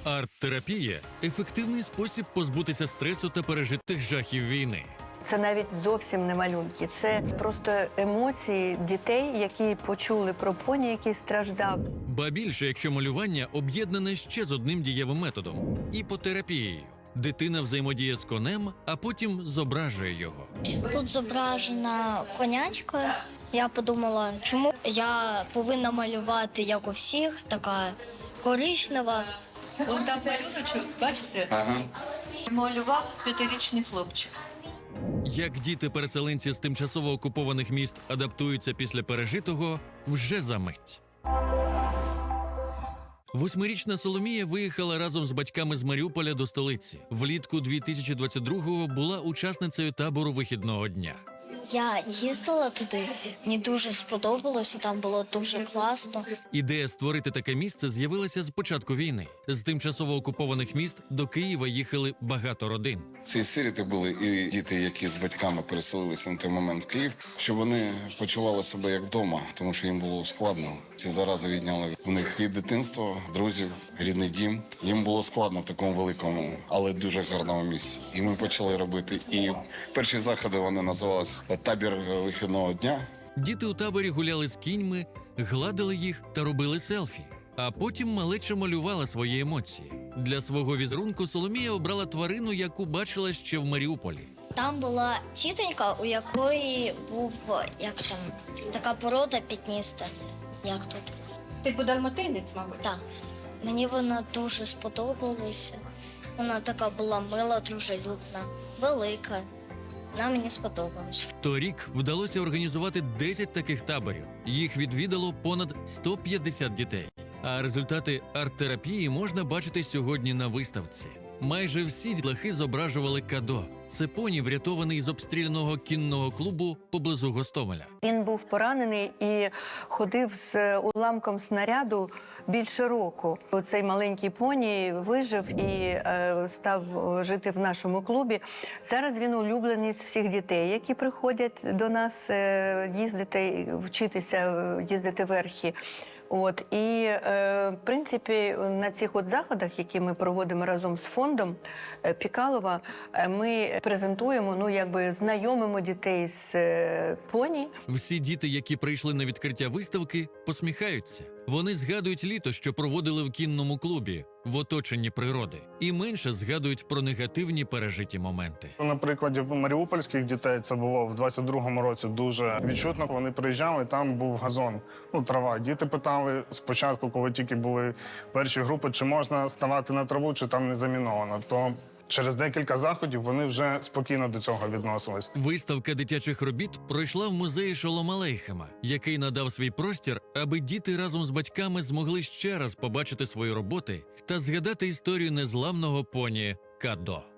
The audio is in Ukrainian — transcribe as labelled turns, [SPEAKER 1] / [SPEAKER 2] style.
[SPEAKER 1] Арт-терапія – ефективний спосіб позбутися стресу та пережитих жахів війни.
[SPEAKER 2] Це навіть зовсім не малюнки, це просто емоції дітей, які почули про поні, який страждав.
[SPEAKER 1] Ба більше, якщо малювання об'єднане ще з одним дієвим методом – іпотерапією. Дитина взаємодіє з конем, а потім зображує його.
[SPEAKER 3] Тут зображена конячка. Я подумала, чому я повинна малювати, як у всіх, така коричнева.
[SPEAKER 4] Вон там малюночок, бачите?
[SPEAKER 5] Ага.
[SPEAKER 4] Малював 5-річний хлопчик.
[SPEAKER 1] Як діти-переселенці з тимчасово окупованих міст адаптуються після пережитого – вже за мить. 8-річна Соломія виїхала разом з батьками з Маріуполя до столиці. Влітку 2022-го була учасницею табору вихідного дня.
[SPEAKER 3] Я їздила туди, мені дуже сподобалося, там було дуже класно.
[SPEAKER 1] Ідея створити таке місце з'явилася з початку війни. З тимчасово окупованих міст до Києва їхали багато родин.
[SPEAKER 5] Ці сиріти були і діти, які з батьками переселилися на той момент в Київ, щоб вони почували себе як вдома, тому що їм було складно. Ці зарази відняли у них і дитинство, друзів, рідний дім. Їм було складно в такому великому, але дуже гарному місці. І ми почали робити. І перші заходи вони називалися «Табір вихідного дня».
[SPEAKER 1] Діти у таборі гуляли з кіньми, гладили їх та робили селфі. А потім малеча малювала свої емоції. Для свого візерунку Соломія обрала тварину, яку бачила ще в Маріуполі.
[SPEAKER 3] Там була тітонька, у якої був, така порода пітніста. Як тут?
[SPEAKER 4] Типу далматинець, мабуть.
[SPEAKER 3] Так. Мені вона дуже сподобалася. Вона така була мила, дружелюбна, велика. Вона мені сподобалась.
[SPEAKER 1] Торік вдалося організувати 10 таких таборів. Їх відвідало понад 150 дітей. А результати арт-терапії можна бачити сьогодні на виставці. Майже всі дітлахи зображували Кадо. Це поні, врятований з обстріляного кінного клубу поблизу Гостомеля.
[SPEAKER 2] Він був поранений і ходив з уламком снаряду більше року. Цей маленький поні вижив і став жити в нашому клубі. Зараз він улюблений з всіх дітей, які приходять до нас їздити, вчитися їздити верхи. В принципі, на цих заходах, які ми проводимо разом з фондом Пікалова, ми презентуємо, знайомимо дітей з поні.
[SPEAKER 1] Всі діти, які прийшли на відкриття виставки, посміхаються. Вони згадують літо, що проводили в кінному клубі, в оточенні природи. І менше згадують про негативні пережиті моменти.
[SPEAKER 6] На прикладі маріупольських дітей це було в 22-му році дуже відчутно. Вони приїжджали, там був газон, трава. Діти питали спочатку, коли тільки були перші групи, чи можна ставати на траву, чи там не заміновано. То через декілька заходів вони вже спокійно до цього відносились.
[SPEAKER 1] Виставка дитячих робіт пройшла в музеї Шолома Алейхема, який надав свій простір, аби діти разом з батьками змогли ще раз побачити свої роботи та згадати історію незламного поні Кадо.